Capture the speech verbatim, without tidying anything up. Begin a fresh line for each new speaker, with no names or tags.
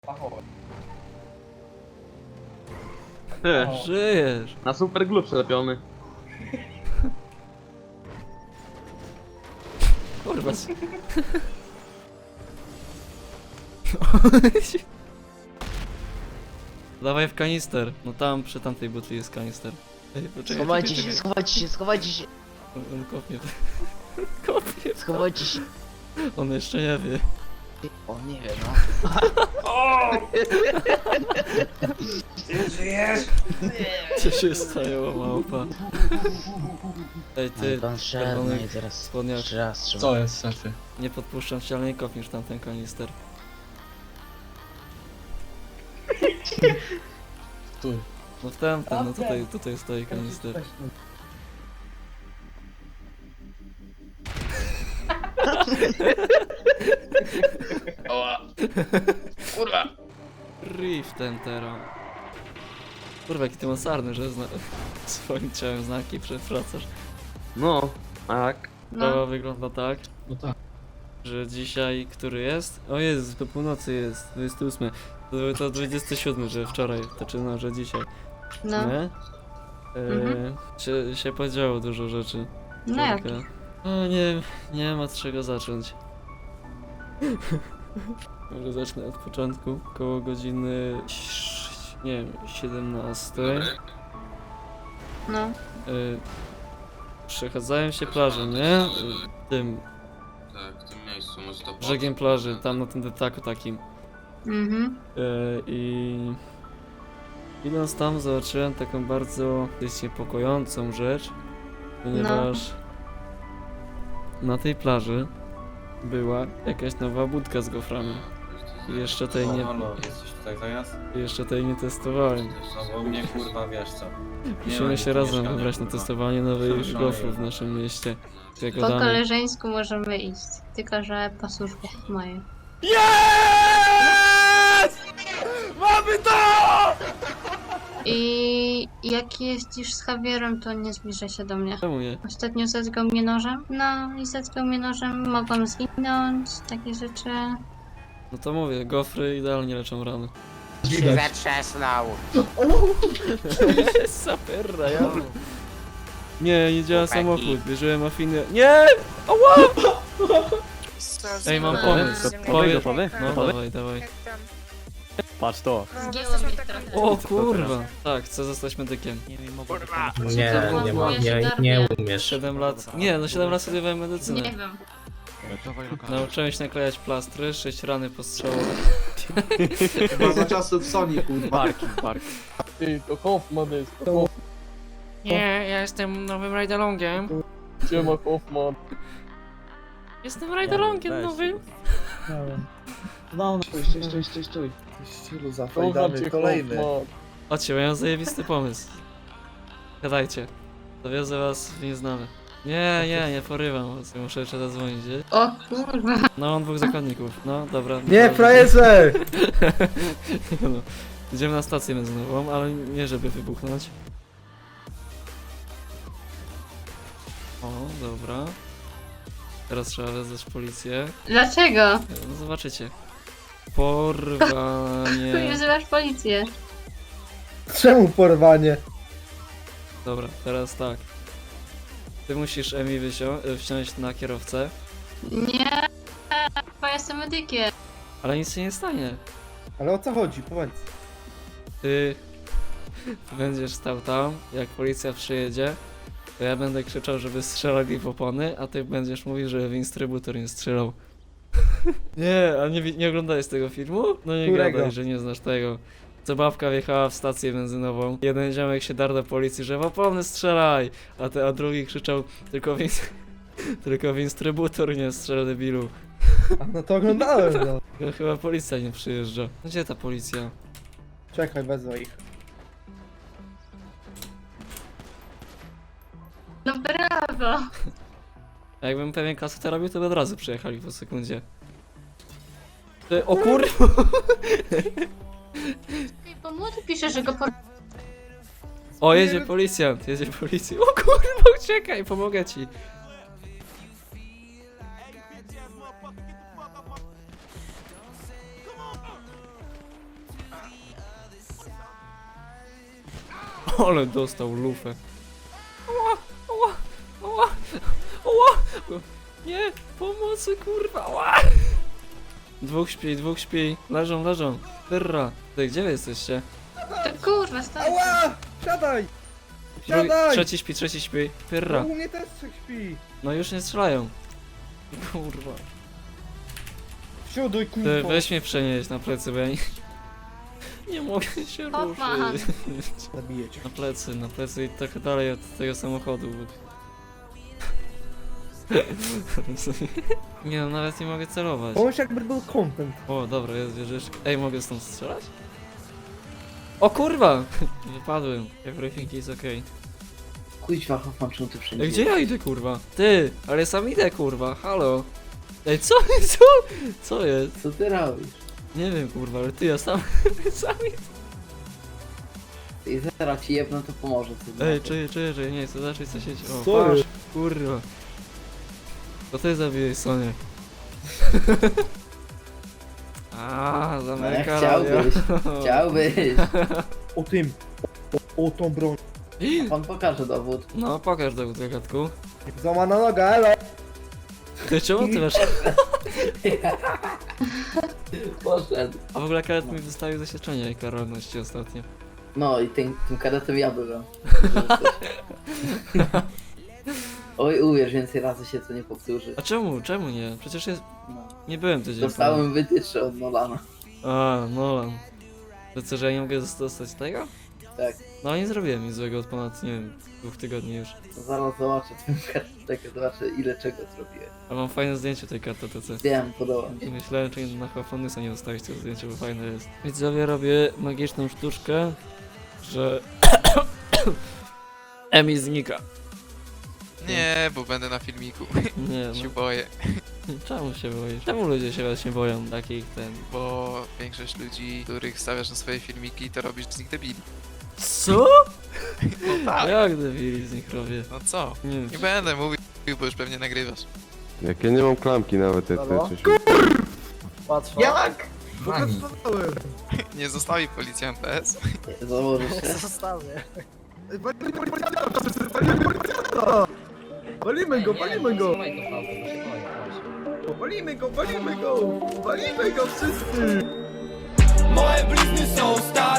Ty,
Żyjesz!
na super glue przelepiony.
Kurwa. Dawaj w kanister. No tam, przy tamtej butli jest kanister. Ej, poczekaj,
Schowajcie
czekaj,
się,
czekaj.
schowajcie się, schowajcie się,
On, on kopnie. Kopnie.
schowajcie się.
On jeszcze nie wie.
O, nie wiem, no.
Co się stało, małpa? Ej, ty,
Pan szedł, no
czerwony
i teraz
spodniak.
jeszcze raz trzeba.
Co jest, szefie?
Nie podpuszczam cię, ale nie kopniesz tamten kanister.
Tu.
No w tamten, no tutaj, tutaj stoi kanister.
Oła. Kurwa.
Riff ten teraz. Kurwa, jaki ty masarny, że zna... swoim ciałem znaki przewracasz.
No, tak.
Sprawa wygląda tak,
No tak.
że dzisiaj, który jest? O Jezu, do północy jest, dwudziesty ósmy. To, to dwudziesty siódmy, że wczoraj, znaczy no, że dzisiaj.
No,
Nie? E,
Mhm.
się, się podziało dużo rzeczy.
no jak?
Tylko- No nie, nie ma od czego zacząć. Może zacznę od początku. Koło godziny, ś- nie wiem, siedemnastej.
No,
Y, przechadzałem się plażą, nie? Y, tym
Tak, w tym miejscu, może to
brzegiem plaży, tam na tym detaku takim.
mhm,
Y, I idąc tam zobaczyłem taką bardzo dość niepokojącą rzecz, ponieważ na tej plaży była jakaś nowa budka z goframi. I jeszcze tej nie,
Halo, jesteś tutaj zamiast?
jeszcze tej nie testowałem.
No bo mnie kurwa wiesz co. Nie
Musimy
ma
się
nic
razem
mieszkania,
wybrać na
kurwa.
testowanie nowych
Szalej.
gofrów w naszym mieście. Jako
po
damy.
koleżeńsku możemy iść, tylko że po służbie mojej.
Mamy to!
I jak jeździsz z Javierem, to nie zbliżaj się do mnie.
Czemu nie?
Ostatnio zetkał mnie nożem, no i zetkał mnie nożem, mogłam zginąć, takie rzeczy.
No to mówię, gofry idealnie leczą rany.
Zatrzasnął.
Saperra, ja. Nie, nie działa
Chłopaki.
samochód, bierzemy afinę. Nie! Ała! Ej, mam pomysł. Powie...
gotowy?
No
Gotowy?
dawaj, dawaj.
Patrz to.
Zgięło mi trochę.
O kurwa! Tak, chcę zostać medykiem.
Nie wiem, mogę
Nie, nie ma, nie, nie umiesz.
siedem lat. Nie, no siedem lat studiowałem
Nie
medycynę.
wiem.
Nauczyłem się naklejać plastry, sześć rany postrzałowe.
Chyba za czasów Sony, kurwa.
Barki, barki.
Ty, to Hoffman jest.
Nie, ja jestem nowym Riderlongiem.
Siema Hoffman.
Jestem Riderlongiem
weź.
nowym.
No, no, stój, stój, stój, stój, stój. Ścilu
Kocham
zafajdany,
cię,
kolejny.
Hoffman.
Chodźcie, bo ja mam zajebisty pomysł. Gadajcie. Dowiozę was w nieznane. Nie, nie, nie porywam was. Muszę jeszcze zadzwonić, nie?
O kurwa.
No, mam dwóch zakładników. No, dobra.
Nie,
dobra.
frajerze!
no. Idziemy na stację benzynową, ale nie żeby wybuchnąć. O, dobra. Teraz trzeba wezwać policję.
Dlaczego?
No, zobaczycie. Porwanie.
Chuj, wzywasz policję.
Czemu porwanie?
Dobra, teraz tak. Ty musisz Emi wysio- wsiąść na kierowcę,
Nie, bo jestem medykiem.
ale nic się nie stanie.
Ale o co chodzi? Powiedz.
Ty będziesz stał tam, jak policja przyjedzie, to ja będę krzyczał, żeby strzelali w opony, a ty będziesz mówił, że w instrybutor nie strzelał. Nie, a nie, wi- nie oglądałeś tego filmu? No nie
Którego?
gadaj, że nie znasz tego. Co babka wjechała w stację benzynową, jeden ziomek się darł do policji, że w opony strzelaj, a, te, a drugi krzyczał, tylko w, ins- tylko w instrybutor nie strzel, debilu.
A no to oglądałem, no.
No, chyba policja nie przyjeżdża. Gdzie ta policja?
Czekaj, wezwę ich.
No brawo.
A jakbym pewien kasetę robił, to by od razu przyjechali po sekundzie. Ty, o kurwa!
Bo młody pisze, że go po...
O, jedzie policjant, jedzie policjant. O kurwa, uciekaj, pomogę ci. Ale dostał lufę. Ała, ała, ała, ała. Nie, pomocy kurwa, ała. Dwóch śpi, dwóch śpi. Leżą, leżą. Tyrra. Ty, gdzie wy jesteście?
To kurwa, stoi.
Ała! Siadaj!
Drugi,
Siadaj!
trzeci śpi, trzeci śpi. Tyrra.
U mnie też trzech śpi.
No już nie strzelają. Kurwa.
Siadaj,
Ty,
kurwa.
weź mnie przenieść na plecy, bo ja nie, nie mogę się
Hoffman.
ruszyć.
Zabiję cię.
Na plecy, na plecy i trochę dalej od tego samochodu. Nie no, nawet nie mogę celować.
Bądź jakby był content.
O, dobra, jest wieżyczka. Ej, mogę stąd strzelać? O kurwa! Wypadłem. Everything is okay.
Kuźwa, Hoffman, czemu ty wszędzie?
Ej, gdzie ja idę, kurwa? Ty, ale sam idę, kurwa, halo. Ej, co, co? Co jest?
Co ty robisz?
Nie wiem, kurwa, ale ty, ja sam, sam idę.
I zaraz ci jebno, to pomoże. Co
Ej, czuję, czuję, że nie chcę zacząć coś siedzieć. O,
Co
patrz,
jest?
kurwa. To ty zabiłeś Sonię. A, zamyka
chciałbyś, Chciałbyś.
O tym. O, o tą broń.
Pan pokaże dowód.
No, pokaż dowód, gagatku.
Złamana noga, elo.
Ty, czemu ty masz...
Poszedł.
A w ogóle kadet mi wystawił zaświadczenie i karalności ostatnio.
No i tym, tym kadetem ja byłem. Oj, uwierz, więcej razy się to nie powtórzy.
A czemu, czemu nie? Przecież jest...
No.
Nie byłem tydzień temu.
Dostałem wytyczne od Nolana.
A, Nolan. To co, że ja nie mogę dostać tego?
Tak.
No nie zrobiłem nic złego od ponad, nie wiem, dwóch tygodni już.
Zaraz zobaczę twoją kartę, zobaczę ile czego zrobiłem.
A mam fajne zdjęcie tej karty T C.
Wiem, podoba mi się.
Myślałem, czy na Hofonusa nie ustawić to zdjęcie, bo fajne jest. Widzowie, robię magiczną sztuczkę, że... Emi znika.
Nie, bo będę na filmiku.
Nie
się
no,
boję,
czemu się boisz? Czemu ludzie się właśnie boją takich ten...
bo większość ludzi, których stawiasz na swoje filmiki, to robisz z nich debili.
Co?
No
A
tak,
jak debili z nich robię?
no co?
Nie wiem,
Nie będę mówił, bo już pewnie nagrywasz.
Jak ja nie mam klamki nawet, jak
Halo?
ty coś...
Patrz.
Jak?
Pokazałem.
Nie zostawi policjanta S.
Założysz się.
Zostawię. Walimy go, walimy go! Walimy go, walimy go! Walimy go wszyscy!
Moje blizny są stare.